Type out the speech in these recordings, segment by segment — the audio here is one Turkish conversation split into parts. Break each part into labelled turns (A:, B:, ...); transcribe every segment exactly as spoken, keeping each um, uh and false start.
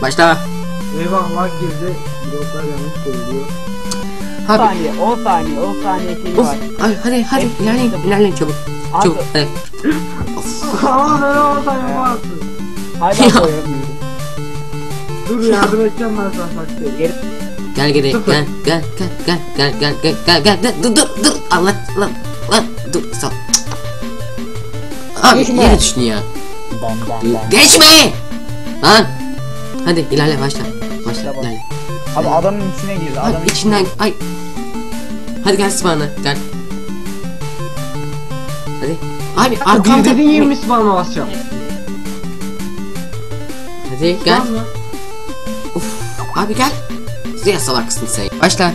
A: Başla.
B: Eyvah lag girdi. Bloklar yanlış koyuluyor.
C: on
A: Abi.
C: saniye, on saniye, on saniye şey
A: Of.
C: var.
A: Abi hadi hadi
C: Hep-
A: ilerleyin ilerleyin çabuk.
C: Abi.
A: Çabuk hadi.
B: Aa ben olsa yapamazsın.
C: Hala
A: Ya.
C: koyamıyorum.
B: Dur yardım edeceğim ben sana bak.
C: Geri
A: Gel geri
B: Sıfır.
A: gel gel gel gel gel gel gel gel gel dur dur dur Allah lan lan dur sağ. Abi
C: Geçme.
A: yere düştün ya.
C: ben ben ben.
A: Geçme. Lan. Hadi ilerle başla. Başla
C: Başla,
A: ilerle.
C: Abi adamın içine girdi. Adamın
A: Abi içinden ay. Hadi gel spawn'a gel. Hadi. Abi
B: Arkam
A: arkamda.
B: dedin yirmi spawn'a basacağım.
A: Hadi gel.
B: Spawn mı?
A: Uf. Abi gel. Zıya salaksın sen. Başla.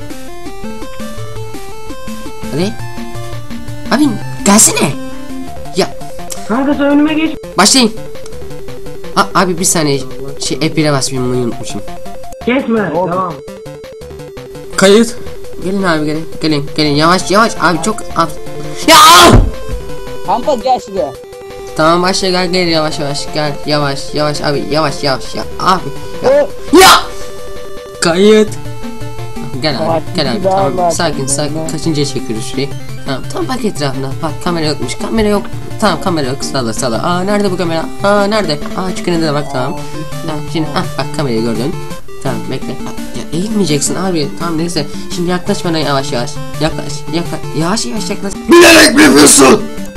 A: Hadi. Abi gelsene. Ya
B: Kanka sen önüme geç.
A: başlayın. A abi bir saniye. Şey F bir'e basmayayım bunu unutmuşum.
B: Kesme.
C: oldu?
B: Devam.
A: Kayıt. Gelin abi gelin. Gelin gelin yavaş yavaş abi çok al. Ya!
C: Kanka gel şuraya.
A: Tamam başla gel gel yavaş yavaş gel yavaş yavaş abi yavaş yavaş ya abi
C: O
A: ya kayıt gel abi
C: Bak,
A: gel abi
C: bir daha
A: tamam
C: var.
A: sakin sakin
C: Ben-
A: kaçıncıya çekiyoruz şurayı tamam tam bak etrafına bak kamera yokmuş kamera yok tamam kamera yok salla salla aa nerede bu kamera aa nerede aa çıkınında da bak tamam tamam şimdi ah bak kamerayı gördün tamam bekle bak, ya eğilmeyeceksin abi tamam neyse şimdi yaklaş bana yavaş yavaş yaklaş yaklaş yavaş yavaş yaklaş bilerek mi yapıyorsun?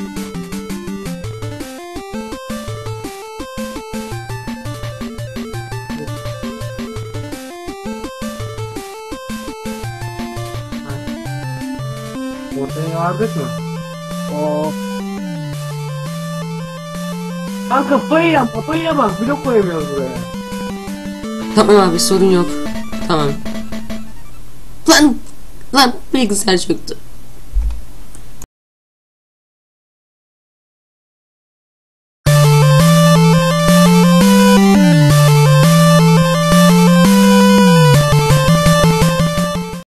B: Ortaya vardık mı?
C: o
B: Kanka kafayı yap, kafayı yap bak. Blok koyamıyoruz buraya.
A: Tamam abi sorun yok. Tamam. Lan lan bilgisayar çöktü.